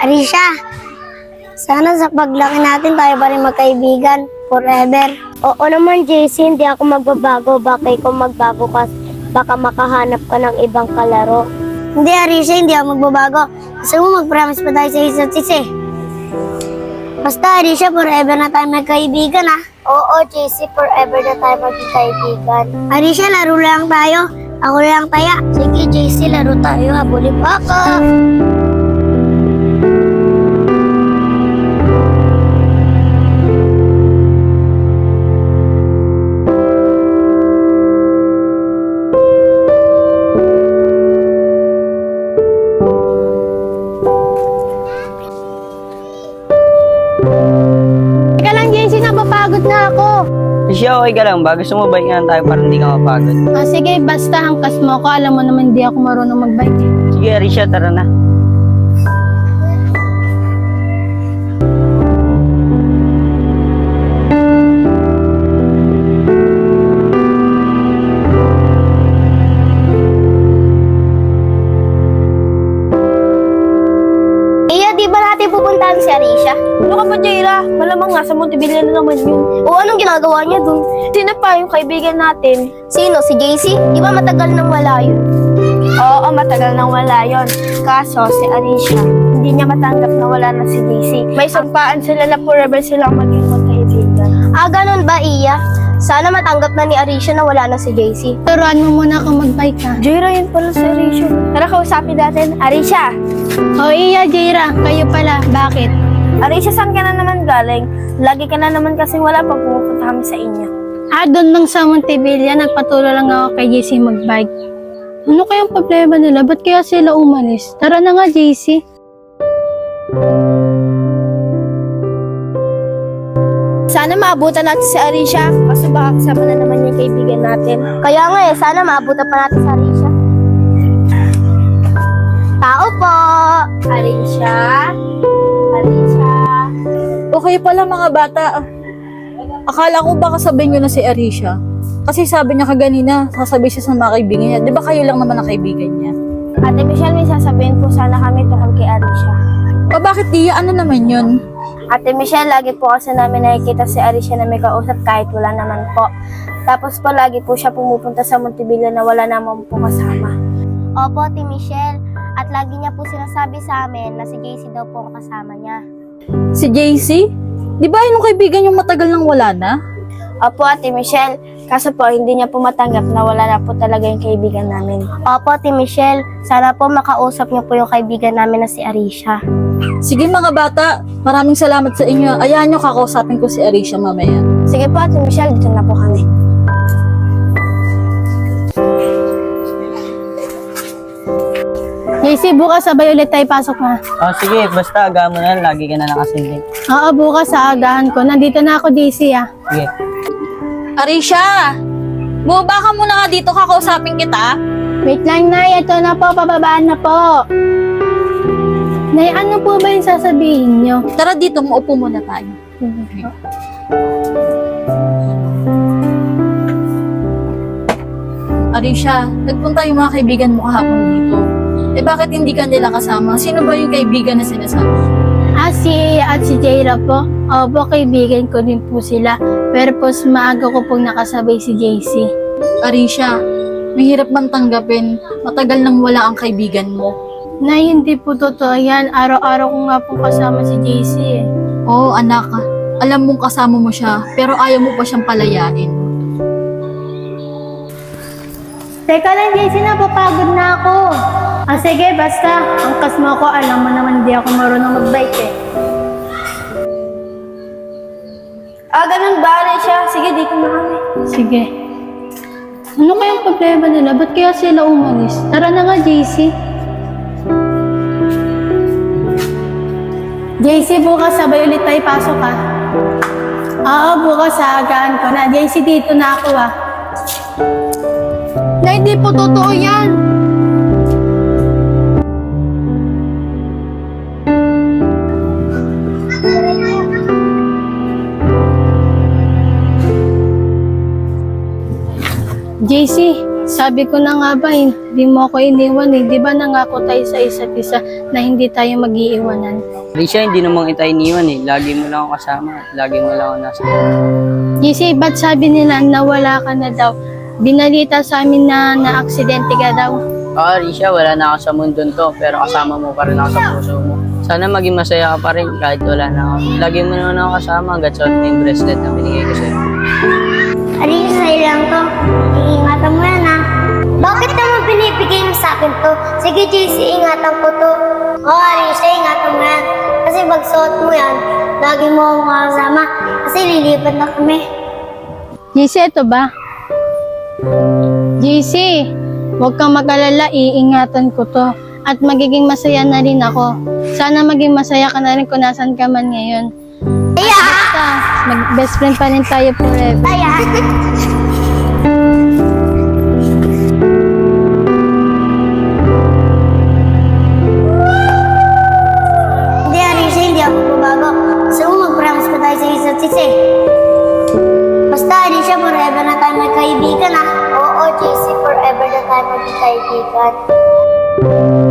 Arisha, sana sa paglaki natin tayo pa rin magkaibigan forever. Oo naman, JC, hindi ako magbabago. Baka ikaw magbago ka, baka makahanap ka ng ibang kalaro. Hindi, Arisha, hindi ako magbabago. Gusto mo mag-promise pa tayo sa isa't isa eh. Basta, Arisha, forever na tayo magkaibigan ah. Oo, JC, forever na tayo maging kaibigan. Arisha, laro lang tayo. Ako lang taya. Sige, JC, laro tayo. Habulin mo ako. Teka lang, JC, napapagod na ako. Siya, okay ka lang ba? Gusto mo bike nga tayo para hindi ka mapagod? Sige, basta angkas mo ako. Alam mo naman, hindi ako marunong magbike eh. Sige, Arisha, tara na. Iya, di ba natin pupuntahan si Arisha? Ano ka ba, Jaira? Malamang nga sa Montebilla na naman yun. O anong ginagawa niya dun? Sino pa yung kaibigan natin? Sino? Si JC? Di ba matagal nang wala yun? Oo, matagal nang wala yon. Kaso, si Arisha, hindi niya matanggap na wala na si JC. May sampaan sila na forever silang maging magkaibigan. Ganun ba, Iya? Sana matanggap na ni Arisha na wala na si JC. Turuan mo muna ako magbike ha. Jaira, yun pala si Arisha. Tara, kausapin natin. Arisha! O iya, Jaira, kayo pala. Bakit? Arisha, saan ka na naman galing? Lagi ka na naman kasi wala pag pumupunta kami sa inyo. Doon lang sa Montebilla, nagpatulong lang ako kay JC magbike. Ano kayang problema nila? Ba't kaya sila umalis? Tara na nga, JC. Sana maabutan natin si Arisha. Kaso baka kasama na naman yung kaibigan natin. Kaya nga sana maabutan pa natin si Arisha. Tao po! Arisha? Arisha? Okay pala mga bata. Akala ko baka sabihin nyo na si Arisha. Kasi sabi niya kaganina, sasabihin siya sa mga kaibigan niya. Di ba kayo lang naman ang kaibigan niya? Ate Michelle, may sasabihin po sana kami tungkol kay Arisha. O bakit Tia? Ano naman yun? Ate Michelle, lagi po kasi namin nakikita si Arisha na may kausap kahit wala naman po. Tapos po, lagi po siya pumupunta sa Montebilla na wala naman po kasama. Opo, Ate Michelle. At lagi niya po sinasabi sa amin na si JC daw po ang kasama niya. Si JC? Di ba yun ang kaibigan yung matagal nang wala na? Opo, Ate Michelle. Kaso po, hindi niya po matanggap na wala na po talaga yung kaibigan namin. Opo, Ate Michelle. Sana po makausap niyo po yung kaibigan namin na si Arisha. Sige mga bata, maraming salamat sa inyo. Ayahan nyo kakausapin ko si Arisha mamaya. Sige po, Ate Michelle, dito na po kami. JC, bukas sabay ulit tayo pasok na. Sige, basta aga mo na, lagi ka na nakasindi. Oo, bukas sa agahan ko. Nandito na ako, JC ah. Sige. Arisha! Bumaba ka muna nga dito, kakausapin kita. Wait lang, Nay. Ito na po, pababaan na po. Nay, ano po ba yung sasabihin nyo? Tara dito, maupo muna tayo. Arisha, nagpunta yung mga kaibigan mo kahapon dito. Bakit hindi ka nila kasama? Sino ba yung kaibigan na sinasabi? Si Iya at si Jaira po. Opo, kaibigan ko din po sila. Pero po, maaga ko pong nakasabay si JC. Arisha, mahirap man tanggapin. Matagal nang wala ang kaibigan mo. Nay, hindi po totoo yan. Araw-araw ko nga po kasama si JC eh. Oo, anak. Alam mong kasama mo siya, pero ayaw mo pa siyang palayain. Teka lang, JC, napapagod na ako. Sige, basta. Angkas mo ako. Alam mo naman, hindi ako marunong magbike eh. Ganun ba, Arisha? Sige, dito na kami. Sige. Ano kayang problema nila? Ba't kaya sila umalis? Tara na nga, JC. JC, bukas sabay ulit tayo pasok ha. Oo, bukas sa agahan ko na. JC, dito na ako ha. Na hindi po totoo yan. JC, Sabi ko na nga ba, hindi mo ako iniwan eh. Di ba nangako tayo sa isa't isa na hindi tayo mag-iiwanan? Risha, hindi naman kita iniwan eh. Lagi mo lang ako kasama at lagi mo lang ako nasa. JC, ba't sabi nila na wala ka na daw? Binalita sa amin na na-aksidente ka daw. Oo, Risha, wala na ako sa mundon to, pero kasama mo pa rin ako sa puso mo. Sana maging masaya ka pa rin kahit wala na ako. Lagi mo naman ako kasama hanggat suot mo yung bracelet na binigay ko sa'yo. Arisha, sa'yo lang to. Iingatan mo yan ha. Bakit naman binibigay mo sa akin to? Sige JC, ingatan ko to. Oo Arisha, ingatan mo yan. Kasi pag suot mo yan, lagi mo akong kasama. Kasi lilipat na kami. JC, ito ba? JC, huwag kang mag-alala, iingatan ko to. At magiging masaya na rin ako. Sana maging masaya ka na rin kung nasan ka man ngayon. Kaya! Basta, mag-best friend pa rin tayo forever. Kaya! Hindi Arisha, hindi ako babago. Gusto mo mag-promise pa tayo sa isa't isa eh. Basta Arisha, forever na tayo magkaibigan ah. Oo, JC, forever na tayo magkaibigan.